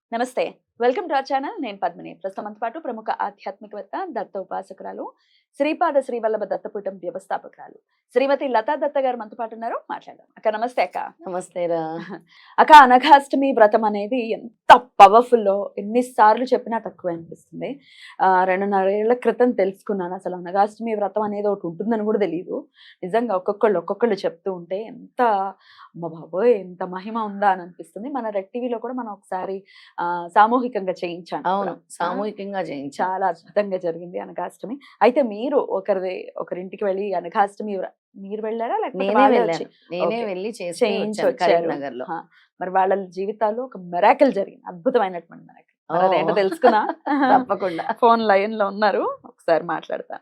నమస్తే. Welcome to our channel. నేను పద్మిని. ప్రస్తుతం మనతో పాటు ప్రముఖ ఆధ్యాత్మికవేత్త, దత్త ఉపాసకురాలు, శ్రీపాద శ్రీవల్లభ దత్తపీఠం వ్యవస్థాపకురాలు శ్రీమతి లతా దత్త గారు మనతో పాటు ఉన్నారు. మాట్లాడదాం. అక్క నమస్తే అక్క. నమస్తే రా. అక్క, అనఘాష్టమి వ్రతం అనేది ఎంత పవర్ఫుల్లో ఎన్నిసార్లు చెప్పినా తక్కువ అనిపిస్తుంది. 2.5 ఏళ్ల క్రితం తెలుసుకున్నాను అసలు అనఘాష్టమి వ్రతం అనేది ఒకటి ఉంటుందని కూడా తెలియదు. నిజంగా ఒక్కొక్కళ్ళు చెప్తూ ఉంటే ఎంత అమ్మ బాబోయ్ ఎంత మహిమ ఉందా అని అనిపిస్తుంది. మన రెడ్ టీవీలో కూడా మనం ఒకసారి సామూహికంగా చేయించాను. అవును, సామూహికంగా చేయించాం. చాలా అద్భుతంగా జరిగింది అనఘాష్టమి. అయితే మీరు ఒకరింటికి వెళ్ళి అనఘాష్టమి మీరు వెళ్ళారా లేకపోతే నేనే వాళ్ళే వెళ్ళాను. వచ్చి? నేనే ఓకే. వెళ్ళి చేయించి వచ్చారు. కరీంనగర్ లో. ఆ, మరి వాళ్ళ జీవితాల్లో ఒక మెరాకిల్ జరిగింది, అద్భుతమైనటువంటి మెరాకిల్. మరి అదేంటో తెలుసుకున్నా? తప్పకుండా. ఫోన్ లైన్ లో ఉన్నారు, ఒకసారి మాట్లాడతా.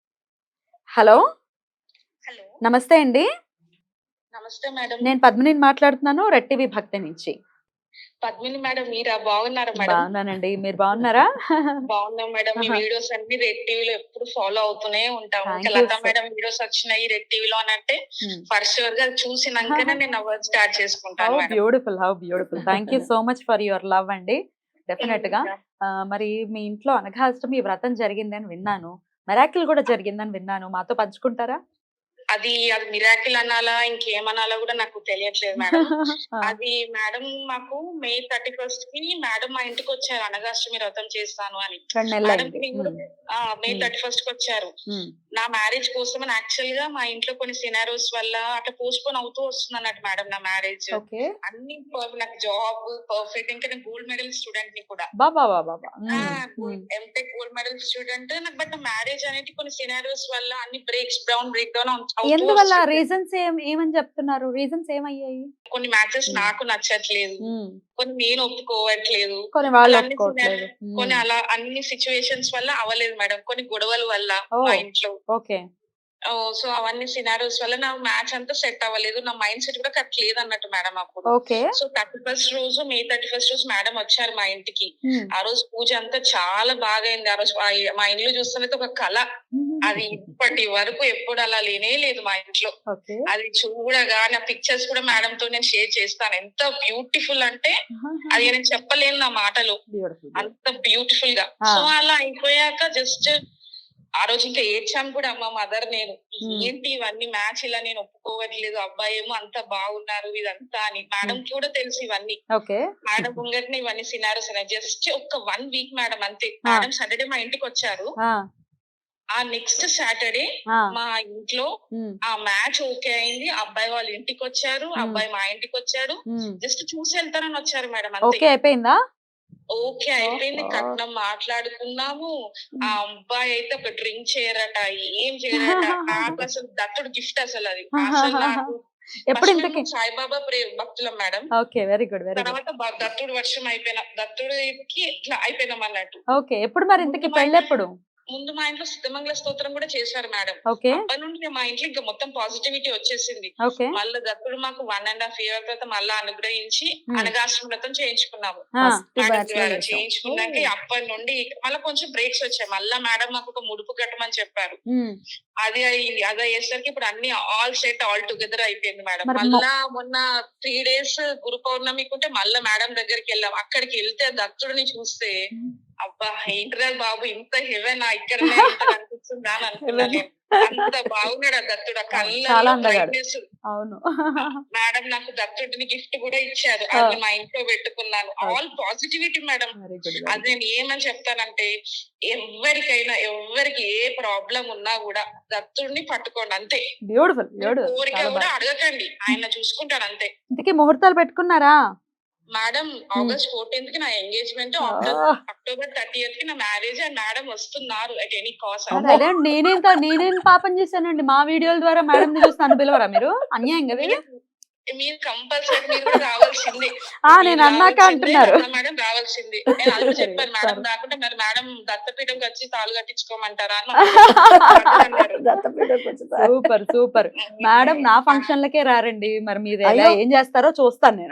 హలో, హలో, నమస్తే అండి. నమస్తే మేడం. నేను పద్మిని మాట్లాడుతున్నాను, రెడ్ టీవీ భక్తి నుంచి. పద్మిని మేడం, మీరా? బాగున్నారా మేడం? బాగున్నానండి, మీరు బాగున్నారా? బాగున్నాం మేడం. మీ ఆహా. వీడియోస్ అన్ని రెడ్ టీవీలో ఎప్పుడు ఫాలో అవుతూనే ఉంటాం. Thank ఇంకా you, లతా sir. మేడం వీడియోస్ వచ్చినాయి రెడ్ టీవీలో అని అంటే Hmm. ఫర్ షూర్ గా చూసినాకనే నేను అవార్డ్ స్టార్ట్ హౌ చేసుకుంటాను madam. Beautiful, how beautiful. Thank you so much for your love అండి. డెఫినెట్ గా. మరి మీ ఇంట్లో అనఘాష్టమి వ్రతం జరిగిందని విన్నాను, మెరాకిల్ కూడా జరిగిందని విన్నాను, మాతో పంచుకుంటారా? అది మిరాకిల్ అనాలా ఇంకేమనాలా కూడా నాకు తెలియట్లేదు మేడం. అది మేడం మాకు మే 31st కి మేడం మా ఇంటికి వచ్చారు అనఘాష్టమి వ్రతం చేస్తాను అని. 2 నెలలు మేడం అయింది. కి కూడా మే 31st కి వచ్చారు. నా మ్యారేజ్ కోసం అని యాక్చువల్ గా మా ఇంట్లో కొన్ని సినారోస్ వల్ల అట్లా పోస్ట్ పోన్ అవుతూ వస్తుంది అన్నట్టు మేడం నా మ్యారేజ్. ఓకే. అన్ని నాకు జాబ్ పర్ఫెక్ట్, ఇంకా నేను గోల్డ్ మెడల్ స్టూడెంట్ ని కూడా. Baba Baba. MTech gold medal student నాకు. బట్ మ్యారేజ్ అనేది కొన్ని సినారియోస్ వల్ల అన్ని బ్రేక్ డౌన్ ఎందువల్ల? రీజన్స్ ఏమని చెప్తున్నారు? రీజన్స్ ఏమయ్యాయి? కొన్ని మ్యాచెస్ నాకు నచ్చట్లేదు, కొన్ని నేను ఒప్పుకోవట్లేదు, కొన్ని వాళ్ళు అలా అన్ని ఒప్పుకోవట్లేదు. కొన్ని అలా అన్ని సిచ్యువేషన్స్ వల్ల అవ్వలేదు మేడం. కొన్ని గొడవల వల్ల ఓ. మా ఇంట్లో. ఓకే. సో అవన్నీ సినారియోస్ వల్ల నా మ్యాచ్ అంతా సెట్ అవ్వలేదు. నా మైండ్ సెట్ కూడా కరెక్ట్ లేదు అన్నట్టు మేడం అప్పుడు. ఓకే. సో మే 31st రోజు మేడం వచ్చారు మా ఇంటికి. ఆ రోజు పూజ అంతా చాలా బాగా అయింది. ఆ రోజు మా ఇల్లు చూస్తున్నది ఒక కళ. అది ఇప్పటి వరకు ఎప్పుడు అలా లేనే లేదు మా ఇంట్లో. ఓకే. అది చూడగా నా పిక్చర్స్ కూడా మేడం తో నేను షేర్ చేస్తాను. ఎంత బ్యూటిఫుల్ అంటే అది నేను చెప్పలేను నా మాటలో, బ్యూటిఫుల్. అంత బ్యూటిఫుల్ గా. సో అలా అయిపోయాక జస్ట్ ఆ రోజు ఇంకా ఏడ్చాను కూడా మా మదర్ నేను. ఏంటి ఇవన్నీ మ్యాచ్ ఇలా నేను ఒప్పుకోవట్లేదు, అబ్బాయి ఏమో అంత బాగున్నారు ఇదంతా అని. మేడం కూడా తెలుసు ఇవన్నీ. ఓకే. మేడం ముంగట్నే ఇవన్నీ సినారీస్ ఉన్నాయి. జస్ట్ ఒక 1 వీక్ మేడం అంతే. మేడం సాటర్డే మా ఇంటికి వచ్చారు. ఆ నెక్స్ట్ సాటర్డే మా ఇంట్లో ఆ మ్యాచ్ ఓకే అయింది. అబ్బాయి వాళ్ళ ఇంటికి వచ్చారు, అబ్బాయి మా ఇంటికి వచ్చాడు. జస్ట్ చూసి వెళ్తారని వచ్చారు మేడం అంతే. ఓకే అయిపోయిందా? ఓకే అయిపోయింది. కట్నం మాట్లాడుకున్నాము. ఆ అబ్బాయి అయితే ఒక డ్రింక్ చేయరట, ఏం చేయరట. నాకు అసలు దత్తుడు గిఫ్ట్ అసలు అది. అసలు నాకు ఎప్పుడు ఇంతకి? సాయిబాబా భక్తులం madam. Okay, very good, very good. తర్వాత దత్తుడు వర్షం అయిపోయినా, దత్తుడికి ఇట్లా అయిపోయినాం అన్నట్టు. ఓకే. ఎప్పుడు మరి ఇంతకి పెళ్ళెప్పుడు? ముందు మా ఇంట్లో సిద్ధమంగళ స్తోత్రం కూడా చేశారు మేడం. ఓకే. అప్పటి నుండి మా ఇంట్లో ఇంకా మొత్తం పాజిటివిటీ వచ్చేసింది. ఓకే. మళ్ళీ దత్తుడు మాకు 1.5 year తర్వాత మళ్ళా అనుగ్రహించి అనఘాష్టమి వ్రతం చేయించుకున్నాము. చేయించుకున్నాక అప్పటి నుండి మళ్ళీ కొంచెం బ్రేక్స్ వచ్చాయి. మళ్ళా మేడం మాకు ఒక ముడుపు కట్టమని చెప్పారు. అది అయింది. అయ్యేసరికి ఇప్పుడు అన్ని ఆల్ సెట్ ఆల్ టుగెదర్ అయిపోయింది మేడం. మళ్ళా మొన్న 3 days గురు పౌర్ణమికి ఉంటే మళ్ళా మేడం దగ్గరికి వెళ్ళాం. అక్కడికి వెళ్తే దత్తుడిని చూస్తే అబ్బా ఏంటిదా బాబు ఇంత హెవెన్ ఇక్కడ అనిపిస్తుందా అని అనుకున్నా నేను. అంత బాగున్నాడు ఆ దత్తుడు. కళ్ళలో బ్రైట్నెస్. అవును. మేడం నాకు దత్తుడిని గిఫ్ట్ కూడా ఇచ్చారు. అది మా ఇంట్లో పెట్టుకున్నాను. All positivity madam. అది నేను ఏమని చెప్తానంటే, ఎవరికి ఏ ప్రాబ్లం ఉన్నా కూడా దత్తుడిని పట్టుకోండి అంతే. బ్యూటిఫుల్. కోరిక కూడా అడగకండి, ఆయన చూసుకుంటాడు అంతే. ఇంతకీ ముహూర్తాలు పెట్టుకున్నారా? మేడం ఆగస్ట్ 14th కి నా ఎంగేజ్మెంట్, అక్టోబర్ 30th కి నా మ్యారేజ్. అండ్ మేడం వస్తున్నారు అట్ ఎనీ కాస్ట్. నేనేం పాపం చేశానండి? మా వీడియోల ద్వారా మేడం చూసి నన్ను పిలవరా మీరు? అన్యాయం కదా. మీరు కంపల్సరీ మీరు కూడా రావాల్సిందే. నేను అన్నాక అంటున్నారు. మేడం రావాల్సిందే. నేను అది చెప్పాను మేడం రాకుండా మరి మేడం దత్తపీఠంకి వచ్చి తాళు కట్టించుకోమంటారా సూపర్ సూపర్. మేడం నా ఫంక్షన్లకే రారండి, మరి మీరు ఎలా ఏం చేస్తారో చూస్తాను నేను.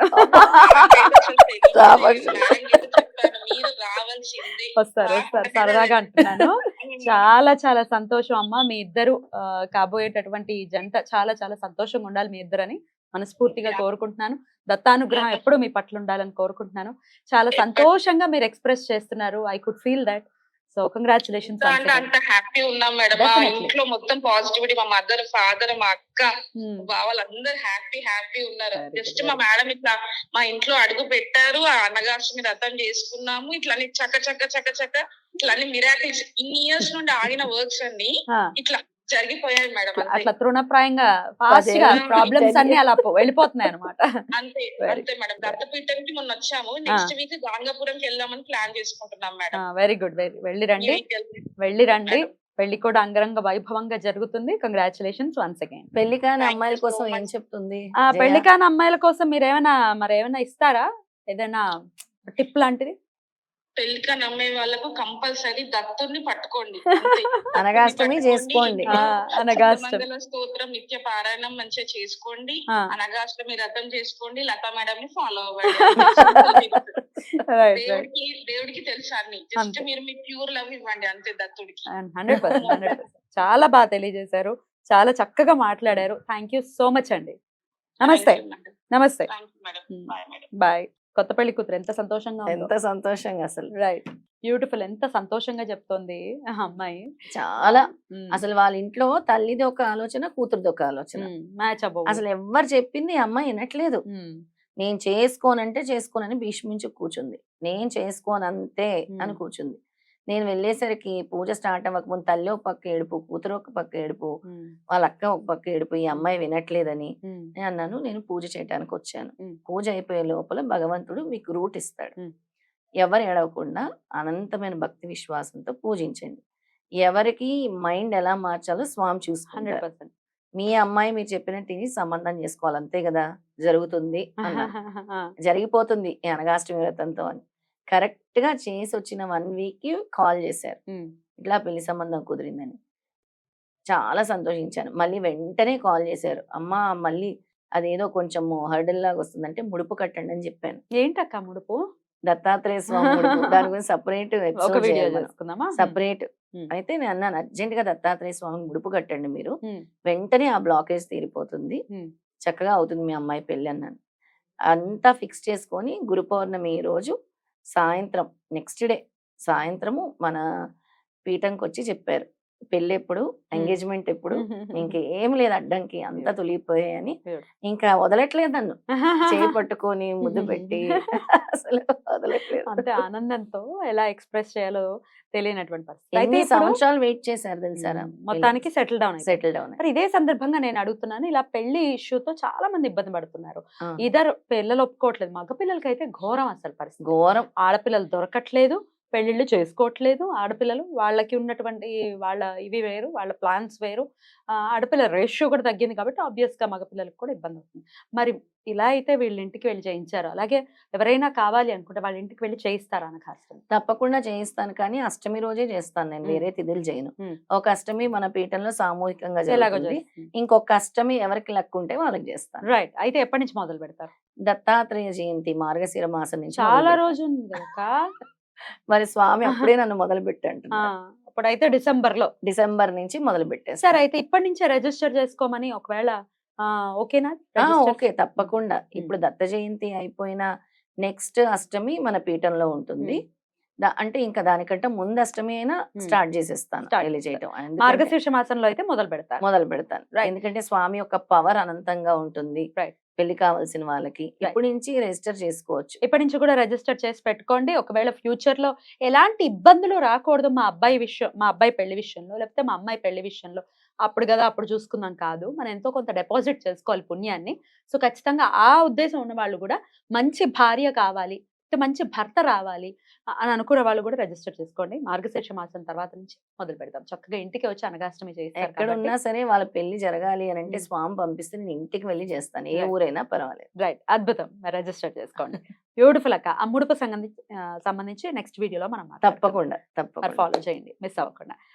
మీరు రావాల్సిందే. వస్తారు సరదాగా అంటున్నాను. చాలా చాలా సంతోషం అమ్మ, మీ ఇద్దరు కాబోయేటటువంటి జంట చాలా చాలా సంతోషంగా ఉండాలి మీ ఇద్దరని మనస్ఫూర్తిగా కోరుకుంటున్నాను. దత్తానుగ్రహం ఎప్పుడు మీ పట్ల ఉండాలని కోరుకుంటున్నాను. చాలా సంతోషంగా మీరు ఎక్స్ప్రెస్ చేస్తున్నారు. I could feel that. So congratulations. అంటే అంత హ్యాపీ ఉన్నాం మేడం. మా Definitely. ఇంట్లో మొత్తం పాజిటివిటీ. మా మదర్, ఫాదర్, మా అక్క, వాళ్ళందరూ హ్యాపీ ఉన్నారు. Very జస్ట్ good. మా మేడం ఇట్లా మా ఇంట్లో అడుగు పెట్టారు, ఆ అన్నగారిని వ్రతం చేసుకున్నాము, ఇట్లా చక్క ఇట్లా మిరాకిల్స్. ఇన్ని ఇయర్స్ నుండి ఆగిన వర్క్స్ అన్ని ఇట్లా జరిగిపోయాయి మేడం. అట్లా తృణప్రాయంగా ఫాస్ట్ గా ప్రాబ్లమ్స్ అన్ని అలా వెళ్ళిపోతున్నాయి అనమాట. అంతే మేడం. దత్తపీఠంకి మొన్న వచ్చాము. నెక్స్ట్ వీక్ గాంగాపురంకి వెళ్దామని ప్లాన్ చేసుకుంటున్నాం మేడం. Very good. వెళ్ళి రండి. పెళ్లి కూడా అంగరంగ వైభవంగా జరుగుతుంది. Congratulations once again. పెళ్లి కాని Thank you అమ్మాయిల so కోసం ఏం much. చెప్తుంది పెళ్లి కాని అమ్మాయిల కోసం మీరు ఏమైనా ఇస్తారా? ఏదైనా టిప్ లాంటిది? పెళ్లిక నమ్మే వాళ్ళకు కంపల్సరీ దత్తుని పట్టుకోండి. అనగాష్టమి చేసుకోండి. మంగళ స్తోత్రం నిత్య పారాయణం మంచిగా చేసుకోండి. అనగాష్టమి వ్రతం చేసుకోండి. లతా మేడం ని ఫాలో అవ్వండి. దేవుడికి తెలుసా అన్ని. జస్ట్ మీరు మీ ప్యూర్ లవ్ ఇవ్వండి అంతే దత్తుడికి. 100%. చాలా బాగా తెలియజేశారు. చాలా చక్కగా మాట్లాడారు. థ్యాంక్ యూ సో మచ్ అండి. నమస్తే. బాయ్. కొత్త పెళ్లి కూతురు ఎంత సంతోషంగా ఎంత సంతోషంగా అసలు. రైట్. బ్యూటిఫుల్. ఎంత సంతోషంగా చెప్తోంది ఆ అమ్మాయి. చాలా అసలు వాళ్ళ ఇంట్లో తల్లిది ఒక ఆలోచన, కూతురుది ఒక ఆలోచన. మ్యాచ్ అవ్వవు. అసలు ఎవ్వరు చెప్పింది ఈ అమ్మాయి వినట్లేదు. నేను చేసుకోనంటే చేసుకోనని భీష్మించి కూర్చుంది. నేను చేసుకోనంతే అని కూర్చుంది. నేను వెళ్ళేసరికి పూజ స్టార్ట్ అవ్వకముందు తల్లి ఒక పక్క ఏడుపు, కూతురు ఒక పక్క ఏడుపు, వాళ్ళ అక్క ఒక పక్క ఏడుపు. ఈ అమ్మాయి వినట్లేదని నేను అన్నాను, నేను పూజ చేయడానికి వచ్చాను. పూజ అయిపోయే లోపల భగవంతుడు మీకు రూట్ ఇస్తాడు. ఎవరు ఏడవకుండా అనంతమైన భక్తి విశ్వాసంతో పూజించండి. ఎవరికి మైండ్ ఎలా మార్చాలో స్వామి చూసుకుంటారు. 100%. మీ అమ్మాయి మీరు చెప్పినట్టు ఇది సంబంధం చేసుకోవాలి అంతే కదా, జరుగుతుంది జరిగిపోతుంది ఈ అనగాష్టమి వ్రతంతో అని. కరెక్ట్ గా చేసి వచ్చిన 1 week కాల్ చేశారు, ఇట్లా పెళ్లి సంబంధం కుదిరిందని. చాలా సంతోషించాను. మళ్ళీ వెంటనే కాల్ చేశారు, అమ్మా మళ్ళీ అదేదో కొంచెం హర్డల్ లాగా వస్తుందంటే ముడుపు కట్టండి అని చెప్పాను. ఏంటక్క ముడుపు? దత్తాత్రేయ స్వామి ముడుపు. దాని గురించి సపరేట్ సపరేట్. అయితే నేను అన్నాను, అర్జెంట్ గా దత్తాత్రేయ స్వామి ముడుపు కట్టండి మీరు, వెంటనే ఆ బ్లాకేజ్ తీరిపోతుంది, చక్కగా అవుతుంది మీ అమ్మాయి పెళ్లి అన్నాను. అంతా ఫిక్స్ చేసుకొని గురు పౌర్ణమి రోజు సాయంత్రం, నెక్స్ట్ డే సాయంత్రము మన పీఠంకి వచ్చి చెప్పారు, పెళ్ళి ఎప్పుడు, ఎంగేజ్మెంట్ ఎప్పుడు, ఇంకేం లేదు అడ్డంకి, అంతా తొలిగిపోయాయని. ఇంకా వదలట్లేదు నన్ను, చేయి పట్టుకొని ముద్దు పెట్టి అసలు వదలట్లేదు. అంటే ఆనందంతో ఎలా ఎక్స్ప్రెస్ చేయాలో తెలియనటువంటి పరిస్థితి. ఎన్ని సంవత్సరాలు వెయిట్ చేశారు తెలుసారా, మొత్తానికి సెటిల్ డౌన్. మరి ఇదే సందర్భంగా నేను అడుగుతున్నాను, ఇలా పెళ్లి ఇష్యూతో చాలా మంది ఇబ్బంది పడుతున్నారు. ఇద్దరు పిల్లలు ఒప్పుకోవట్లేదు. మగ పిల్లలకి అయితే ఘోరం అసలు పరిస్థితి, ఘోరం. ఆడపిల్లలు దొరకట్లేదు, పెళ్లిళ్ళు చేసుకోవట్లేదు. ఆడపిల్లలు వాళ్ళకి ఉన్నటువంటి వాళ్ళ ఇవి వేరు, వాళ్ళ ప్లాన్స్ వేరు. ఆడపిల్లల రేషియో కూడా తగ్గింది కాబట్టి ఆబ్వియస్ గా మగపిల్లలకు కూడా ఇబ్బంది అవుతుంది. మరి ఇలా అయితే వీళ్ళ ఇంటికి వెళ్ళి చేయించారు, అలాగే ఎవరైనా కావాలి అనుకుంటే వాళ్ళ ఇంటికి వెళ్ళి చేయిస్తారా అనగాష్టమి? తప్పకుండా చేయిస్తాను, కానీ అష్టమి రోజే చేస్తాను నేను, వేరే తిథులు చేయను. ఒక అష్టమి మన పీఠంలో సామూహికంగా జరుగుతుంది, ఇంకొక అష్టమి ఎవరికి లక్ ఉంటే వాళ్ళకి చేస్తాను. రైట్. అయితే ఎప్పటి నుంచి మొదలు పెడతారు? దత్తాత్రేయ జయంతి మార్గశిర మాసం నుంచి. చాలా రోజు ఉంది కదా. మరి స్వామి అప్పుడే నన్ను మొదలు పెట్టండి. అప్పుడైతే డిసెంబర్ నుంచి మొదలు పెట్టారు. సరే, అయితే ఇప్పటి నుంచే రిజిస్టర్ చేసుకోమని ఒకవేళ ఓకేనా? ఓకే, తప్పకుండా. ఇప్పుడు దత్త జయంతి అయిపోయిన నెక్స్ట్ అష్టమి మన పీఠంలో ఉంటుంది. అంటే ఇంకా దానికంటే ముందు అష్టమి అయినా స్టార్ట్ చేసేస్తాను పెళ్లి చేయటం. మార్గశీర్ష మాసంలో అయితే మొదలు పెడతాను. ఎందుకంటే స్వామి యొక్క పవర్ అనంతంగా ఉంటుంది. పెళ్లి కావాల్సిన వాళ్ళకి ఇప్పటి నుంచి రిజిస్టర్ చేసుకోవచ్చు. ఇప్పటి నుంచి కూడా రిజిస్టర్ చేసి పెట్టుకోండి. ఒకవేళ ఫ్యూచర్ లో ఎలాంటి ఇబ్బందులు రాకూడదు మా అబ్బాయి పెళ్లి విషయంలో, లేకపోతే మా అమ్మాయి పెళ్లి విషయంలో, అప్పుడు కదా అప్పుడు చూసుకుందాం కాదు, మనం ఎంతో కొంత డిపాజిట్ చేసుకోవాలి పుణ్యాన్ని. సో ఖచ్చితంగా ఆ ఉద్దేశం ఉన్న వాళ్ళు కూడా మంచి భార్య కావాలి, మంచి భర్త రావాలి అని అనుకున్న వాళ్ళు కూడా రిజిస్టర్ చేసుకోండి. మార్గశీర్ష మాసం తర్వాత నుంచి మొదలు పెడతాం. చక్కగా ఇంటికి వచ్చి అనగాష్టమి చేస్తారు. ఎక్కడ ఉన్నా సరే వాళ్ళ పెళ్లి జరగాలి అని అంటే స్వామి పంపిస్తే నేను ఇంటికి వెళ్ళి చేస్తాను, ఏ ఊరైనా పర్వాలేదు. రైట్, అద్భుతం. రిజిస్టర్ చేసుకోండి. బ్యూటిఫుల్ అక్క. ఆ ముడుపు సంబంధించి నెక్స్ట్ వీడియోలో మనం తప్పకుండా ఫాలో చేయండి, మిస్ అవ్వకుండా.